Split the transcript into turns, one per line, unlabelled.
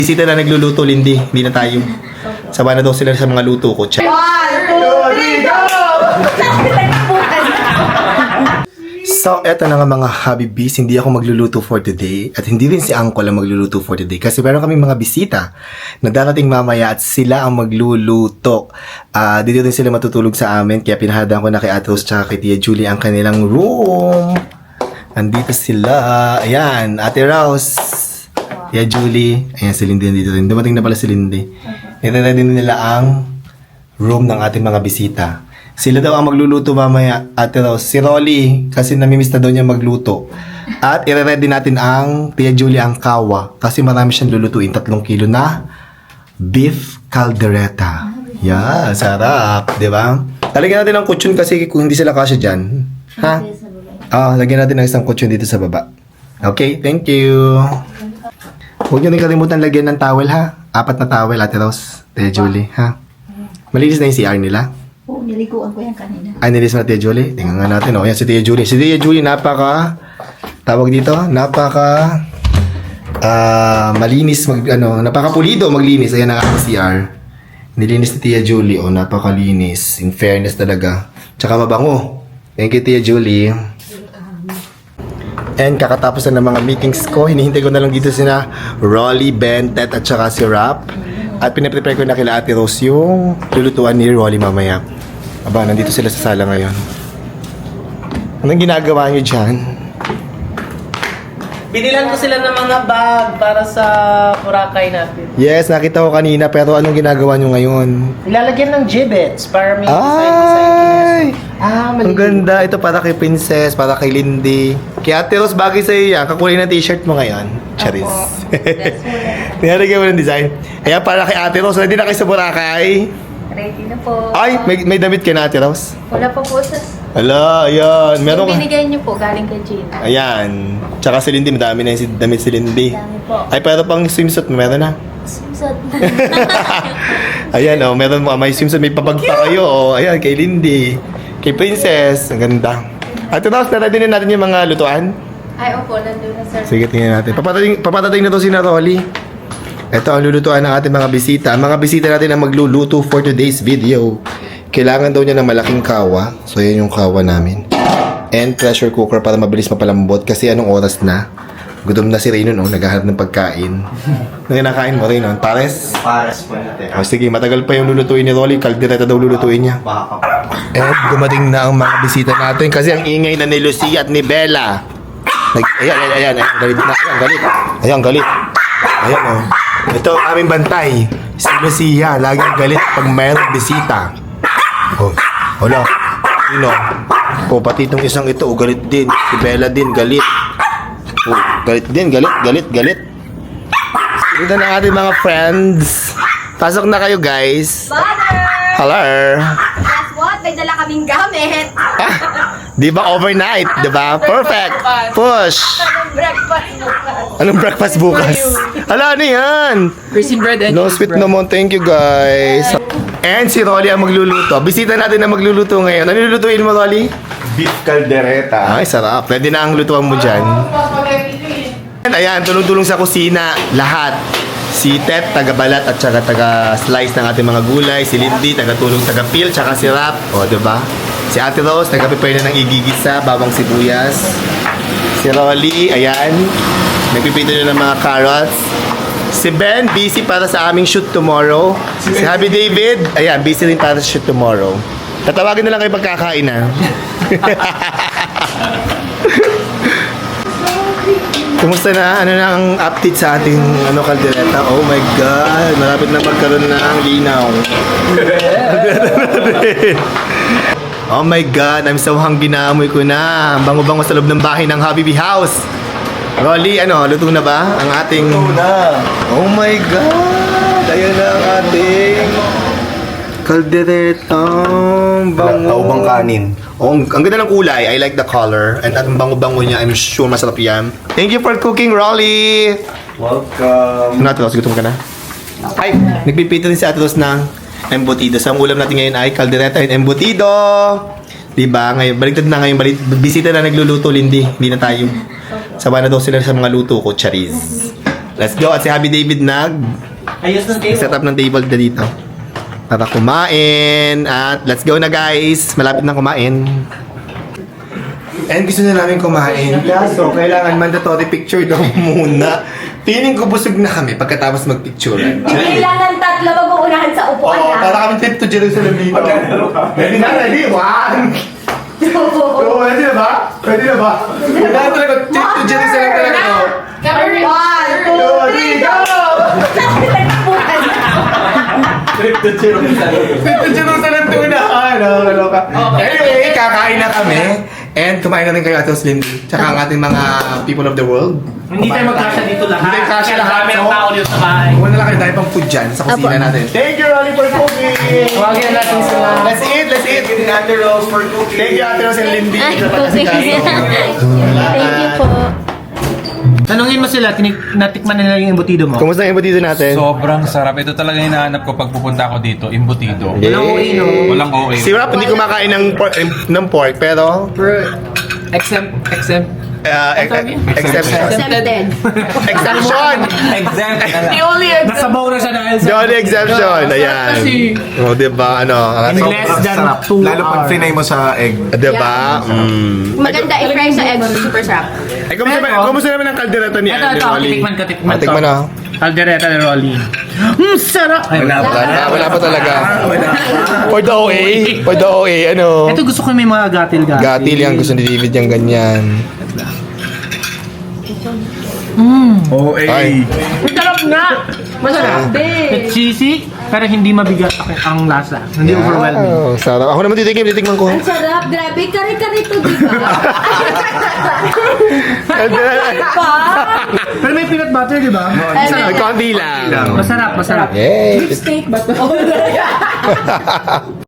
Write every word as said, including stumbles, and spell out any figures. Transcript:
Bisita na nagluluto, Lindy. Hindi na tayo. Sawa na daw sila sa mga luto ko. Check. So, eto na nga mga Habibis, hindi ako magluluto for today at hindi rin si Uncle ang magluluto for today kasi meron kaming mga bisita na darating mamaya at sila ang magluluto. Uh, dito rin sila matutulog sa amin kaya pinahadaan ko na kay Ate Rose at kay Tia Julie ang kanilang room. Andito sila. Ayan, Ate Rose, Tia Julie. Ayan, si Lindy nandito rin. Dumating na pala si Lindy. Nire-ready nila ang room ng ating mga bisita. Sila daw ang magluluto mamaya, Ate Rose. Si Rolly, kasi namimiss na daw niya magluto. At ire-ready natin ang Tia Julie ang kawa. Kasi marami siyang lulutuin. Tatlong kilo na beef caldereta. Yeah, sarap. Diba? Talagyan natin ng kutsyon kasi kung hindi sila kasya dyan. Ha? Ah, lagyan natin ng isang kutsyon dito sa baba. Okay, thank you. Huwag niyo rin kalimutan lagyan ng towel, ha? Apat na towel, Ate Rose. Tia Julie, ha? Malinis na yung C R nila.
Oo, niliguan ko yan kanina.
Ay, nilis na Tia Julie. Tingnan nga natin. O, yan si Tia Julie. Si Tia Julie, napaka, tawag dito, napaka, ah, malinis, mag, ano, napaka pulido maglinis. Ayan ang aking C R. Nilinis ni Tia Julie. O, napakalinis. In fairness talaga. Tsaka mabango. Thank you, Tia Julie. And kakatapos na ng mga meetings ko, hinihintay ko na lang dito sina Rolly, Ben, Tet, at saka si Rap. At pinaprepare ko na kila Ate Rose yung lulutuan ni Rolly mamaya. Aba, nandito sila sa sala ngayon. Anong ginagawa niyo dyan?
Binilan ko sila ng mga bag para sa Boracay natin.
Yes, nakita ko kanina, pero anong ginagawa niyo ngayon?
Ilalagyan ng gibbets para may
Ay!
Ah,
Ang ganda. Ito para kay Princess, para kay Lindy. Kay Ate Rose, bagay sa'yo yan. Kakulay na t-shirt mo ngayon. Charis. Nilalagyan mo ng design. Ayan, para kay Ate Rose. Ready na kayo sa Boracay?
Ready na po.
Ay, may, may damit ka na, Ate Rose?
Wala pa po sa...
Ala, ayan. Meron
Yung
ka.
binigay niyo po, galing kay Gina.
Ayan. Tsaka si Lindy, madami na yung si- damit si Lindy.
Dami po.
Ay, pero pang swimsuit, meron na.
Susot.
Ayan, oh, meron mo. May swimsuit, may papag pa kayo. Oh, ayan, kay Lindy. Kay Princess. Ang ganda. Ate Rose, naready na natin yung mga lutuan?
Ay, opo, nandun na sir.
Sige, tingnan natin. Papatating, papatating na to si na Rolly. Ito ang lulutuan ng ating mga bisita. Ang mga bisita natin ang magluluto for today's video. Kailangan daw niya ng malaking kawa. So, yan yung kawa namin. And pressure cooker para mabilis mapalambot. Kasi anong oras na? Gutom na si Raynon, oh. Naghahanap ng pagkain. Ano kinakain mo, Raynon? Pares?
Pares po natin.
Oh, sige, matagal pa yung lulutuin ni Rolly. Kaldereta daw lulutuin niya.
Baka
And dumating na ang mga bisita natin. Kasi ang ingay na ni Lucia at ni Bella. Nag, ayan, ayan, ayan, ayan, galit na, ayan, galit. Ayan, galit. Ayan, oh. Ito ang aming bantay. Si Lucia, laging galit pag mayroong bisita. Oh, wala. Sino? Oh, pati itong isang ito, oh, galit din. Si Bella din, galit. Oh, galit din, galit, galit, galit. Dito na ating mga friends. Pasok na kayo, guys.
Father!
Hello.
Guess what? May dala kaming gamit.
Di ba overnight? Di ba? Perfect. Push.
Anong breakfast bukas?
Anong breakfast bukas? Hala, ano yan?
Raisin bread and
No sweet naman. Thank you, guys. And si Rolly ang magluluto. Bisita natin ang magluluto ngayon. Ano lulutuin mo, Rolly?
beef caldereta.
Ay, sarap. Pwede na ang lutuan mo dyan. And ayan, tulong-tulong sa kusina. Lahat. Si Tet, taga-balat at saka taga-slice ng ating mga gulay. Si Lindy, taga-tulong, taga-peel, tsaka si Rap. O, diba? Si Ate Rose, taga-prepare na ng igigisa, bawang sibuyas. Si Rolly, ayan. Nagpipito na ng mga carrots. Si Ben, busy para sa aming shoot tomorrow. Si Happy David, ayan, busy rin para sa shoot tomorrow. Tatawagin na lang kayo pagkakain, ha? Kumusta na? Ano na ang update sa ating ano, kaldereta? Oh my God! Malapit na magkaroon ng linaw. Oh my God! I'm so hungry na. Amoy ko na. Ang bango-bango sa loob ng bahay ng Habibi House. Rolly, ano? Luto na ba? Ang ating...
Ito na.
Oh my God! Ayan na ang ating... kaldereta. Bango.
Taubang kanin.
Oh, ang, ang ganda ng kulay. I like the color. And at ang bango-bango niya, I'm sure masarap yan. Thank you for cooking, Rolly!
Welcome.
Ano Ate Rose, gutom ka na? Ay, nagpipito din si Ate Rose ng embutido. So, ang ulam natin ngayon ay caldereta and embutido. Diba? Ngayon, baliktad na ngayon. Balik, bisita na nagluluto, Lindy. Hindi na tayo. Sawa na daw sila sa mga luto ko, Charis. Let's go. At si Happy David nag
Ayos ng table.
set up ng table na dito. Para kumain. At let's go na guys. Malapit na kumain. And gusto na namin kumain. Kaso, kailangan mandatory picture daw muna. Feeling ko busog na kami pagkatapos magpicturean.
Kailangan tatlo mag-uunahan sa upuan
Oo,
na.
para kami trip to Jerusalem dito. Ready na, ready? One! Oo, ready na ba? Ready na ba? Kailangan talaga, trip to Jerusalem talaga to.
One, two, three, go!
Trip to Jerusalem.
Trip to Jerusalem to na. Ano, ano ka. Anyway, kakain na kami. And kumain na rin kayo Ate Lindy. Tsaka ang ating mga people of the world.
Hindi tayo magkasya dito lahat.
Hindi tayo magkasya lahat.
Kaya ang tao dito sa bahay.
Huwag na lang kayo dahil pang food dyan sa kusina natin. Thank you, Rolly, for cooking!
Tawagin na natin sila.
Let's eat, let's eat! Ate Rose for cooking. Thank you, Ate Rose and Lindy.
Ay,
sa
cooking.
pagkasikaso.
Thank you po.
Tanungin mo sila, tinik- natikman nila yung embutido mo.
Kumusta yung dito natin?
Sobrang sarap. Ito talaga yung hinahanap ko pag pupunta ako dito, imbutido.
Walang O A, no?
Walang okay.
Si Rap hindi kumakain ng pork, ng pork pero
Exempt, exempt.
uh, ex- exception.
Exempted.
Exception!
Exempt na lang.
Nasabaw na siya dahil sa...
The only exception. Ayan. O, diba? Ano? ang
In
ating-
less than two
Lalo pag
hours.
finay mo sa egg.
Diba? Mm.
Maganda i-fry sa egg. Super sarap.
Eh, kumusta, ba,
Pero-
kumusta naman ang kaldereta ni
Ito,
Andy
ito.
Rolly?
Tikman ko, tikman
Ah,
ko.
tikman na.
Caldereta ni Rolly. Hmm, sarap! Ay,
Wala pa. Wala pa talaga. For the O A. For the O A. Ano?
Ito gusto ko may mga gatil-gatil.
Gatil yan. Gusto ni David yung ganyan.
O A.
Ay.
Masarap nga! Masarap. It's cheesy, pero hindi mabigat ang, ang lasa. Hindi overwhelming.
Wow, sarap. Ako naman titikim. Titikman ko.
Ang sarap. Grabe. Kare-kare to, di ba? Pa?
Pero may peanut butter, di ba?
Ay, konti lang.
Masarap, masarap.
Yay!
Steak ba to?